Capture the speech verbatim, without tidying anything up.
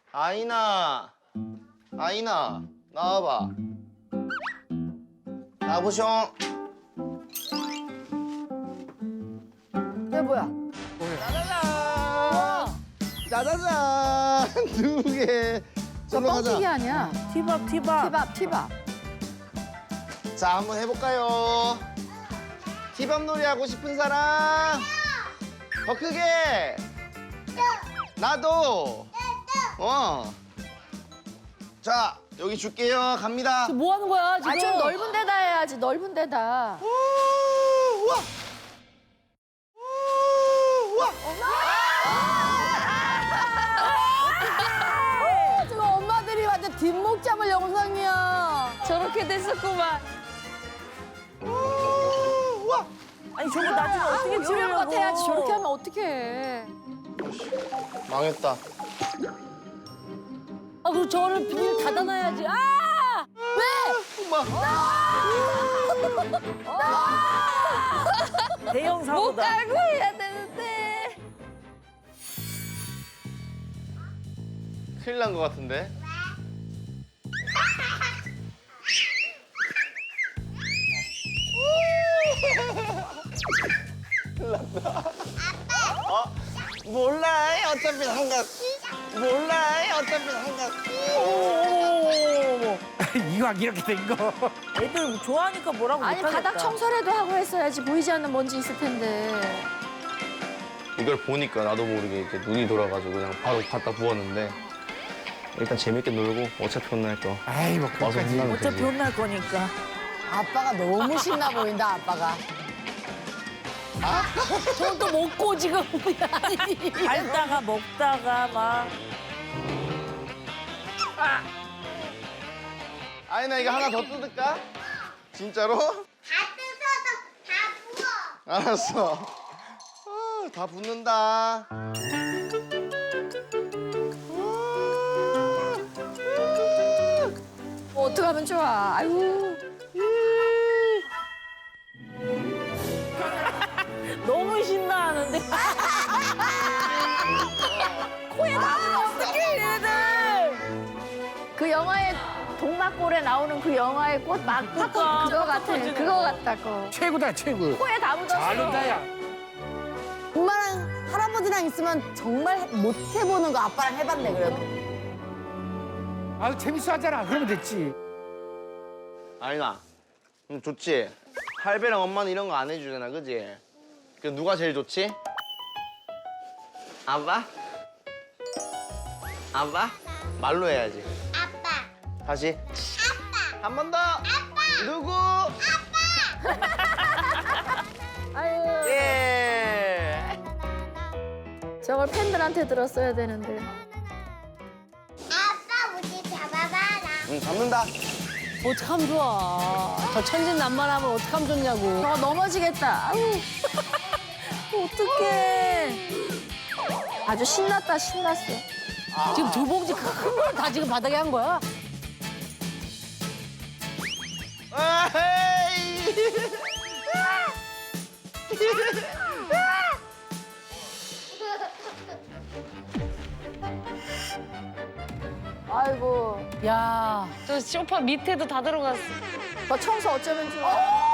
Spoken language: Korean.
아이나, 아이나, 나와봐. 나보숑. 얘 뭐야? 짜자잔! 짜자잔! 두 개. 저 저로 가자. 뻥튀기 아니야? 티밥 티밥. 티밥, 티밥. 자, 한번 해볼까요? 티밥 놀이 하고 싶은 사람? 더 크게! 나도! 어. 자, 여기 줄게요. 갑니다. 뭐 하는 거야 지금? 아, 좀 넓은 데다 해야지, 넓은 데다. 우, 우와! 우, 우와! 지금 엄마들이 완전 뒷목 잡을 영상이야. 저렇게 됐었구만. 우, 우와! 아니 저거 나중에 어떻게 요령 치우려고? 같아 해야지. 저렇게 하면 어떡해. 망했다. 아 그럼 저거를 비닐 닫아놔야지. 아! 왜? 엄마. 대형 사고다. 깔고 해야 되는데. 큰일 난 것 같은데? 큰일 났다. 어? 몰라. 어차피 한가. 몰라. 어차피 한가. 어머머머머머. 이왕 이렇게 된 거. 애들 좋아하니까 뭐라고 아니, 못하겠다. 바닥 청소라도 하고 했어야지. 보이지 않는 먼지 있을 텐데. 이걸 보니까 나도 모르게 이제 눈이 돌아가지고 그냥 바로 갖다 부었는데 일단 재밌게 놀고 어차피 혼날 거 아이 뭐 와서 그까지. 혼나면 어차피 되지. 혼날 거니까. 아빠가 너무 신나 보인다, 아빠가. 저건 또 먹고 지금 밟다가 먹다가 막. 아니 나 이거 하나 더 뜯을까? 진짜로? 다 뜯어서 다 부어. 알았어. 아, 다 붓는다. 뭐 어떡하면 좋아. 아유. 너무 신나하는데. 코에 나면 어떡해 얘네들. 그 영화에 동막골에 나오는 그 영화의 꽃 막꽃 그러니까. 그거 같아. 그거 같다고. 최고다 최고. 코에 다 묻었어. 잘 논다야. 엄마랑 할아버지랑 있으면 정말 못 해보는 거 아빠랑 해봤네 그래도. 아 재밌어 하잖아. 그러면 됐지. 아니나. 음, 좋지? 할배랑 엄마는 이런 거 안 해주잖아, 그지? 그 누가 제일 좋지? 아빠? 아빠? 말로 해야지. 아빠. 다시. 아빠. 한 번 더. 아빠. 누구? 아유. 예. 저걸 팬들한테 들었어야 되는데. 아빠 우리 잡아봐라. 응, 잡는다. 어떡하면 좋아. 저 천진난만하면 어떡하면 좋냐고. 저 넘어지겠다. 아유. 어떡해. 아주 신났다, 신났어. 지금 두 봉지 큰 걸 다 지금 바닥에 한 거야? 에이. 아이고. 야, 저 소파 밑에도 다 들어갔어. 저 청소 어쩌면 좋아.